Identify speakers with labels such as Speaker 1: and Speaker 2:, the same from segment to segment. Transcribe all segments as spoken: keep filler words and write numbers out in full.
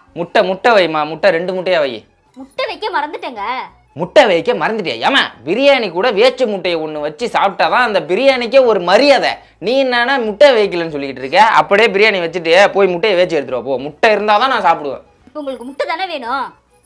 Speaker 1: முட்டை முட்டை வைமா, முட்டை ரெண்டு முட்டையா வை.
Speaker 2: முட்டை வைக்க மறந்துட்டேங்க.
Speaker 1: முட்டை வைக்க மறந்துட்டியா? ஏமா பிரியாணி கூட வேச்சு முட்டையை ஒன்று வச்சு சாப்பிட்டாதான் அந்த பிரியாணிக்கே ஒரு மரியாதை. நீ என்னன்னா முட்டை வைக்கலன்னு சொல்லிக்கிட்டு இருக்க. அப்படியே பிரியாணி வச்சுட்டு போய் முட்டையை வேச்சு எடுத்துருவா போ. முட்டை இருந்தால் தான் நான் சாப்பிடுவேன்.
Speaker 2: இப்போ உங்களுக்கு முட்டை தானே வேணும்?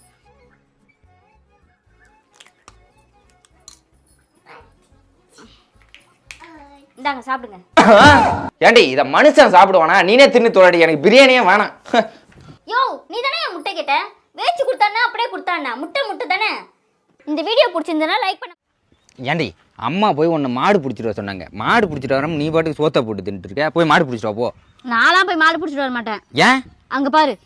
Speaker 2: இந்தாங்க சாப்பிடுங்க.
Speaker 1: ஏண்டி இதை மனுஷன் சாப்பிடுவானா? நீனே தின்னு தோழடி, எனக்கு பிரியாணியே வேணாம்.
Speaker 2: யோ நீ தானே முட்டை கேட்ட, வேச்சு கொடுத்தானா அப்படியே கொடுத்தானா? முட்டை முட்டை தானே. இந்த வீடியோ பிடிச்சிருந்தனா லைக் பண்ண.
Speaker 1: ஏண்டி அம்மா போய் உன்னை மாடு பிடிச்சிட்டு வர சொன்னாங்க. மாடு பிடிச்சிட்டு வர நீ பாட்டுக்கு சோத்தை போட்டு தின்ட்டு இருக்க. போய் மாடு பிடிச்சிட்டு வா போ.
Speaker 2: நான்லாம் போய் மாடு பிடிச்சிட்டு வர மாட்டேன்.
Speaker 1: ஏன்?
Speaker 2: அங்க பாரு.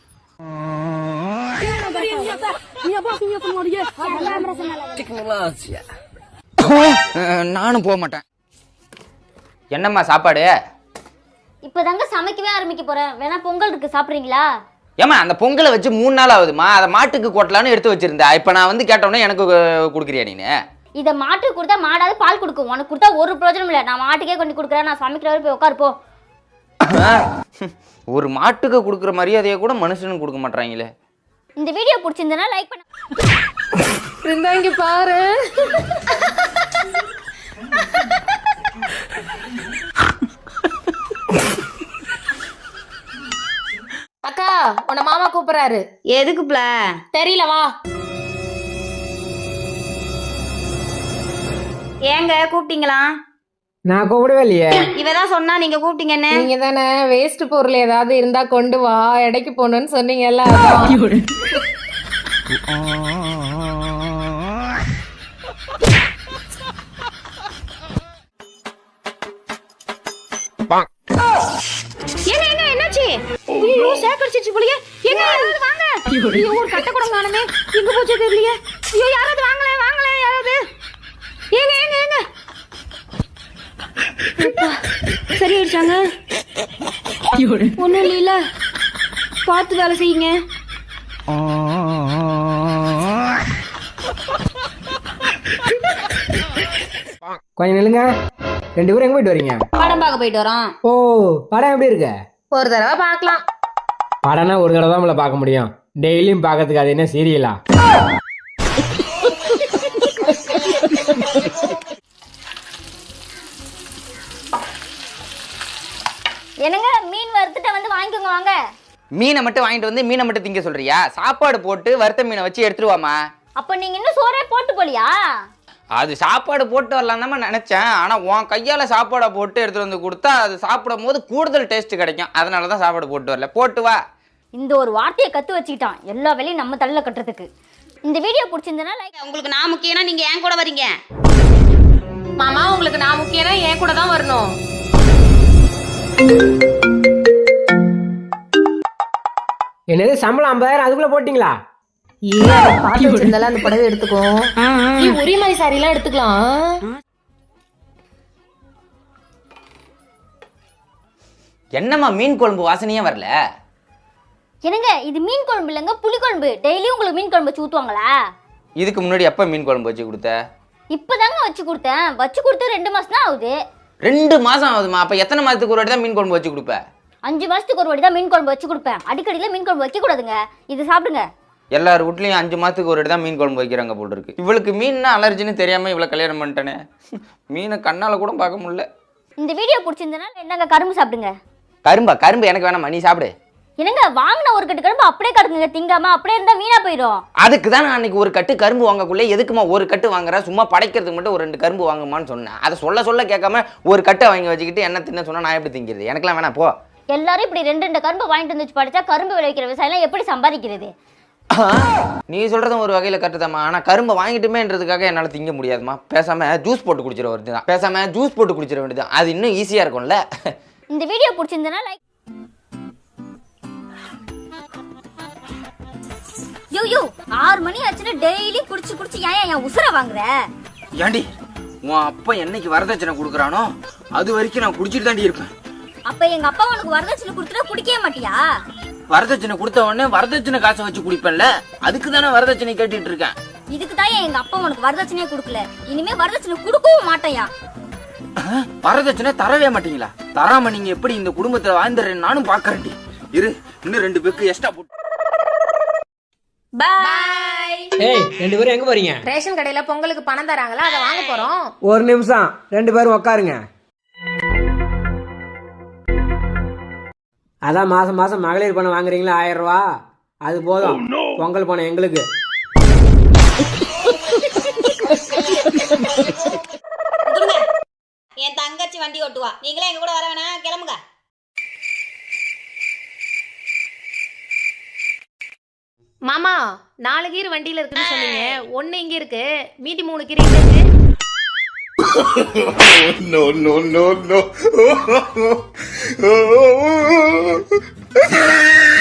Speaker 1: நானும் போக மாட்டேன். என்னம்மா சாப்பாடு?
Speaker 2: இப்பதாங்க சமைக்கவே ஆரம்பிக்க போறேன். வேணா பொங்கல் இருக்கு, சாப்பிடுறீங்களா?
Speaker 1: ஏமா அந்த பொங்கலை வச்சு மூணு நாள் ஆகுதுமா. அதை மாட்டுக்கு கொட்டலான்னு எடுத்து வச்சிருந்தா. இப்போ நான் வந்து கேட்டோன்னே எனக்கு கொடுக்குறியா நீனு?
Speaker 2: இதை மாட்டுக்கு கொடுத்தா மாடாவது பால் கொடுக்கும். உனக்கு கொடுத்தா ஒரு பிரயோஜனம் இல்லை. நான் மாட்டுக்கே கொண்டு கொடுக்குறேன். நான் சமைக்கிற வரை போய் உட்காருப்போ.
Speaker 1: ஒரு மாட்டுக்கு கொடுக்குற மரியாதையை கூட மனுஷனுக்கு கொடுக்க மாட்டாங்களே.
Speaker 2: இந்த வீடியோ பிடிச்சிருந்தனா லைக் பண்ண.
Speaker 3: இங்க பாரு. அக்கா உன்னை மாமா கூப்பிடுறாரு.
Speaker 2: எதுக்கு பிள?
Speaker 3: தெரியல வா.
Speaker 2: ஏங்க கூப்பிட்டீங்களா?
Speaker 4: நான் கூப்பிடவே இல்லையே.
Speaker 2: இவதான் சொன்னா நீங்க கூப்பிட்டீங்கன்னு.
Speaker 3: நீங்க தானே வேஸ்ட் பொருள் ஏதாவது இருந்தா கொண்டு வா, எடைக்கு போகணும்னு சொன்னீங்கல்ல.
Speaker 2: ஏங்க ஏங்க என்னாச்சு? ஐயோ சேக்கடிச்சிச்சு போலியே. ஏங்க யாராவது வாங்க. ஐயோ ஒரு கட்ட கூட காணுமே. எங்க போச்சு தெரியலையே. ஐயோ யாராவது வாங்களே வாங்களே யாராவது. ஏங்க ஏங்க ஏங்க. சரி ஆயிடுச்சாங்க? ஒண்ணும் இல்ல, பார்த்து வேலை செய்யுங்க.
Speaker 4: கொஞ்சம் நில்லுங்க. ரெண்டு பேரும் எங்க போயிட்டு வரீங்க?
Speaker 2: படம் பார்க்க போயிட்டு வரோம்.
Speaker 4: ஓ படம் எப்படி இருக்கு?
Speaker 3: ஒரு தடவை பார்க்கலாம்.
Speaker 4: படம்னா ஒரு தடவை தான் நம்மள பார்க்க முடியும். டெய்லியும் பார்க்கறதுக்கு அது என்ன சீரியலா?
Speaker 2: என்னங்க மீன் வறுத்துட்டு வந்து வாங்கிக்கோங்க வாங்க.
Speaker 1: மீனை மட்டும் வாங்கிட்டு வந்து மீனை மட்டும் திங்க சொல்றியா? சாப்பாடு போட்டு வறுத்த மீனை வச்சு எடுத்துட்டு வாமா.
Speaker 2: அப்ப நீங்க இன்னும் சோறே போட்டு போலியா?
Speaker 1: அது சாப்பாடு போட்டு வரலாம் தான் நினைச்சேன். ஆனா உன் கையால சாப்பாடை போட்டு எடுத்துட்டு வந்து கொடுத்தா அது சாப்பிடும் போது கூடுதல் டேஸ்ட் கிடைக்கும். அதனாலதான் சாப்பாடு போட்டு வரல. போட்டு வா.
Speaker 2: இந்த ஒரு வார்த்தையை கத்து வச்சுக்கிட்டான் எல்லா வேலையும் நம்ம தலையில கட்டுறதுக்கு. இந்த வீடியோ பிடிச்சிருந்தனா லைக்.
Speaker 5: உங்களுக்கு நான் முக்கியம்னா நீங்க ஏன் கூட வரீங்க?
Speaker 3: மாமா உங்களுக்கு நான் முக்கியம்னா என் கூட தான் வரணும்.
Speaker 4: என்னது சம்பளம் ஐம்பதாயிரம் அதுக்குள்ள போட்டீங்களா?
Speaker 3: அந்த புடவை எடுத்துக்கோ. ஒரே மாதிரி சாரி எல்லாம் எடுத்துக்கலாம்.
Speaker 1: என்னம்மா மீன் குழம்பு வாசனையே வரல?
Speaker 2: என்னங்க இது மீன் குழம்பு இல்லைங்க, புளி குழம்பு. டெய்லியும் உங்களுக்கு மீன் குழம்பு வச்சு ஊத்துவாங்களா?
Speaker 1: இதுக்கு முன்னாடி எப்ப மீன் குழம்பு வச்சு கொடுத்த?
Speaker 2: இப்பதாங்க வச்சு கொடுத்தேன். வச்சு கொடுத்து ரெண்டு மாசம் தான் ஆகுது.
Speaker 1: ரெண்டு மாசம் ஆகுதுமா? அப்ப எத்தனை மாசத்துக்கு ஒரு வாட்டி தான் மீன் குழம்பு வச்சு கொடுப்ப?
Speaker 2: அஞ்சு மாசத்துக்கு ஒரு வாட்டி தான் மீன் குழம்பு வச்சு கொடுப்பேன். அடிக்கடியில மீன் குழம்பு வைக்க கூடாதுங்க. இது சாப்பிடுங்க.
Speaker 1: எல்லார் வீட்லயும் அஞ்சு மாசத்துக்கு ஒரு வாட்டி தான் மீன் குழம்பு வைக்கிறாங்க போல் இருக்கு. இவளுக்கு மீன்னா அலர்ஜின்னு தெரியாம இவளை கல்யாணம் பண்ணிட்டேனே. மீனை கண்ணால கூட பார்க்க முடியல.
Speaker 2: இந்த வீடியோ பிடிச்சிருந்தனா என்னங்க கரும்பு சாப்பிடுங்க.
Speaker 1: கரும்பா? கரும்பு எனக்கு வேணாமா, நீ சாப்பிடு.
Speaker 2: என்னங்க வாங்கின ஒரு கட்டு கரும்பு அப்படியே கிடக்குங்க, திங்காம அப்படியே இருந்தா வீணா போயிடும்.
Speaker 1: அதுக்கு தான் நான் அன்னைக்கு ஒரு கட்டு கரும்பு வாங்கக்குள்ளே எதுக்குமா ஒரு கட்டு வாங்குற, சும்மா படைக்கிறதுக்கு மட்டும் ஒரு ரெண்டு கரும்பு வாங்குமான்னு சொன்னேன். அதை சொல்ல சொல்ல கேட்காம ஒரு கட்டை வாங்கி வச்சுக்கிட்டு என்ன தின்ன சொன்னா நான் எப்படி திங்கிறது? எனக்கெல்லாம் வேணாம் போ. எல்லாரும்
Speaker 2: இப்படி ரெண்டு ரெண்டு கரும்பு வாங்கிட்டு வந்து வச்சு படிச்சா கரும்பு விளைவிக்கிற விவசாயம் எப்படி சம்பாதிக்கிறது?
Speaker 1: நீ சொல்றதும் ஒரு வகையில கட்டுதாம்மா. ஆனா கரும்பை வாங்கிட்டுமேன்றதுக்காக என்னால திங்க முடியாதுமா. பேசாம ஜூஸ் போட்டு குடிச்சிட வேண்டியதான். பேசாம ஜூஸ் போட்டு குடிச்சிட வேண்டியதான். அது இன்னும் ஈஸியா இருக்கும்ல.
Speaker 2: இந்த வீடியோ பிடிச்சிருந்தனா லைக். யோ யோ ஆறு மணி ஆச்சுன்னா டெய்லி குடிச்சு குடிச்சு ஏன் என் உசுர வாங்குற?
Speaker 1: ஏண்டி உன் அப்பா என்னைக்கு வரதட்சணை கொடுக்குறானோ அது வரைக்கும் நான் குடிச்சிட்டு தாண்டி இருப்பேன்.
Speaker 2: அப்ப எங்க அப்பா உனக்கு வரதட்சணை கொடுத்துட்டா குடிக்கவே மாட்டியா?
Speaker 1: வரதட்சணை கொடுத்த உடனே வரதட்சணை காசை வச்சு குடிப்பேன்ல, அதுக்கு தானே வரதட்சணை கேட்டுட்டு இருக்கேன்.
Speaker 2: இதுக்கு தான் எங்க அப்பா உனக்கு வரதட்சணையே கொடுக்கல. இனிமே வரதட்சணை கொடுக்கவும் மாட்டேயா.
Speaker 1: வரதட்சணை தரவே மாட்டீங்களா? தராம நீங்க எப்படி இந்த குடும்பத்தை வாழ்ந்துறேன்னு நானும் பாக்குறேன்டி. இரு இன்னும் ரெண்டு பேருக்கு எக்ஸ்ட்ரா போட்டு
Speaker 2: பாய்.
Speaker 4: ஏய் ரெண்டு பேரும் எங்க போறீங்க?
Speaker 3: ரேஷன் கடையில பொங்கலுக்கு பணம் தராங்களா, அதை வாங்க போறோம்.
Speaker 4: ஒரு நிமிஷம், ரெண்டு பேரும் உட்காருங்க. அதான் மாசம் மாசம் மகளிர் பணம் வாங்குறீங்களா ஆயிரம் ரூபா, அது போதும். பொங்கல் பணம் எங்களுக்கு.
Speaker 5: கொடுங்க. என் தங்கச்சி வண்டி ஓட்டுவா, நீங்களே எங்க கூட வர வேணாம், கிளம்புங்க.
Speaker 2: மாமா, நாலு கீர் வண்டியில இருக்குன்னு சொன்னீங்க, ஒன்னு இங்க இருக்கு, மீதி மூணு கீர் இங்க இருக்கு.
Speaker 6: no, no, no, no.